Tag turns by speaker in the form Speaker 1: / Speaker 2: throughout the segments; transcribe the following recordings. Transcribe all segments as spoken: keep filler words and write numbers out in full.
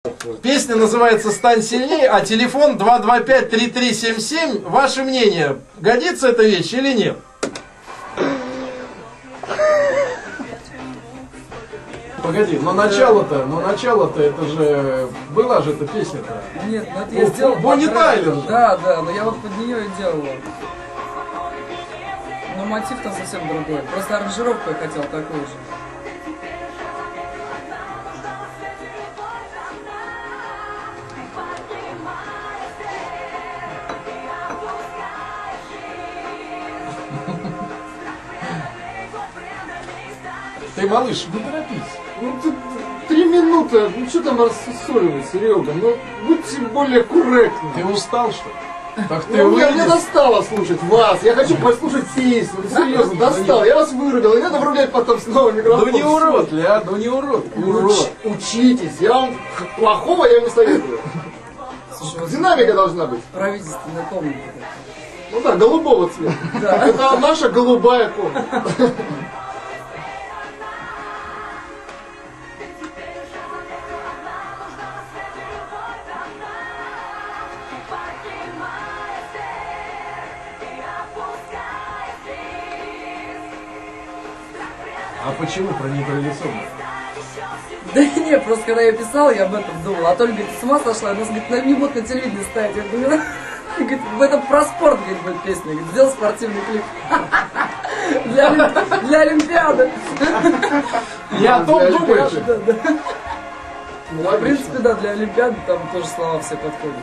Speaker 1: Песня называется «Стань сильнее», а телефон два два пять три три семь семь. Ваше мнение, годится эта вещь или нет? Погоди, но начало-то, но начало-то, это же, была же эта песня-то.
Speaker 2: Нет, ну это я сделал.
Speaker 1: Бонни Тайлер же.
Speaker 2: Да, да, но я вот под нее и делал. Но мотив там совсем другой. Просто аранжировку я хотел такую же.
Speaker 1: Ты, малыш, не торопись.
Speaker 3: Ну ты три минуты, ну что там рассусоливать, Серега? Ну будьте более корректны.
Speaker 1: Ты устал, что ли? Так ты
Speaker 3: Ну, мне,
Speaker 1: выйди.
Speaker 3: мне достало слушать вас, я хочу послушать песню, ну, серьезно, достало, я вас вырубил, и надо врубять потом снова микрофон.
Speaker 1: Ну не урод ли, а? Ну не урод.
Speaker 3: Уч, учитесь, я вам плохого я не советую.
Speaker 2: Слушай,
Speaker 3: Динамика должна быть.
Speaker 2: правительственная комната.
Speaker 3: Ну да, голубого цвета.
Speaker 2: Да.
Speaker 3: Это наша голубая комната.
Speaker 1: А почему про нейтрализованную?
Speaker 2: Да не, просто когда я писал, я об этом думал. А Толя говорит, ты с ума сошла? У нас, говорит, на- не будут на телевидении ставить. Я говорю, говорит, в этом про спорт, говорит, будет песня. Говорит, сделал спортивный клип. Для, Олимпи- для Олимпиады.
Speaker 1: Я о том
Speaker 3: Для
Speaker 1: думаю.
Speaker 3: Олимпиады.
Speaker 2: Да, да.
Speaker 3: Ну,
Speaker 2: В принципе, да, для Олимпиады там тоже слова все подходят.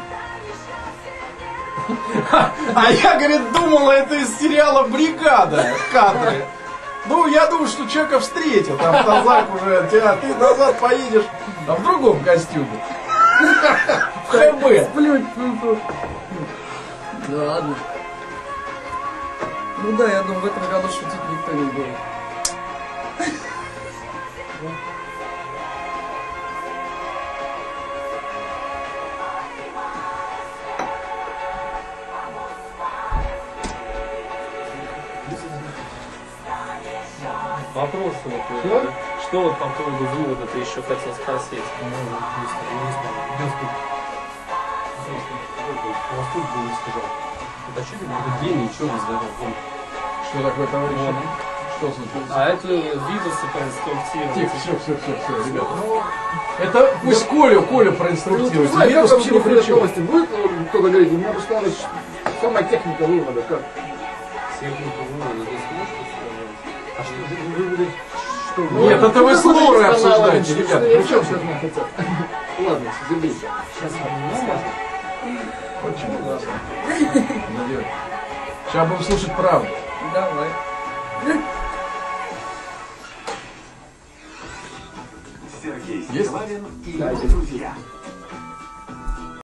Speaker 1: А я, говорит, думала, это из сериала «Бригада» кадры. Ну, я думаю, что человека встретил, там Тазак уже, тебя, ты назад поедешь, а в другом костюме. В ХБ.
Speaker 2: Сплють, фу-фу. Да ладно. Ну да, я думаю, в этом году шутить никто не будет.
Speaker 4: Вопрос вот,
Speaker 3: Что?
Speaker 4: что вот по поводу вывода ты еще хотел спросить? Длинный, ничего не здоров.
Speaker 1: Что такое, товарищ? Что случилось?
Speaker 4: А это вирусы проинструктировать.
Speaker 1: Тихо, все, все, все, все, ребята. Это пусть Колю, Колю
Speaker 3: Ну,
Speaker 1: проинструктирует.
Speaker 3: знаешь, как
Speaker 1: Вирус
Speaker 3: вообще
Speaker 1: тут ни при
Speaker 3: выходят
Speaker 1: чем.
Speaker 3: новости? Будет ну, кто-то говорить, мне просто надо самая техника вывода, как?
Speaker 4: Технику вывода, ты сможешь сказать? А что ты выводы? Что
Speaker 3: Ну,
Speaker 1: Нет, это вы с
Speaker 3: ну,
Speaker 1: Лорой
Speaker 3: каналы,
Speaker 1: обсуждаете,
Speaker 3: что
Speaker 1: ребята.
Speaker 3: я
Speaker 1: При чем
Speaker 3: сейчас
Speaker 1: тут?
Speaker 3: не хотят. Ладно, забей.
Speaker 4: Сейчас ладно.
Speaker 1: Очень классно. Надеюсь. Сейчас будем слушать правду.
Speaker 2: Давай.
Speaker 5: Сергей
Speaker 1: Есть?
Speaker 5: Стилавин и его друзья.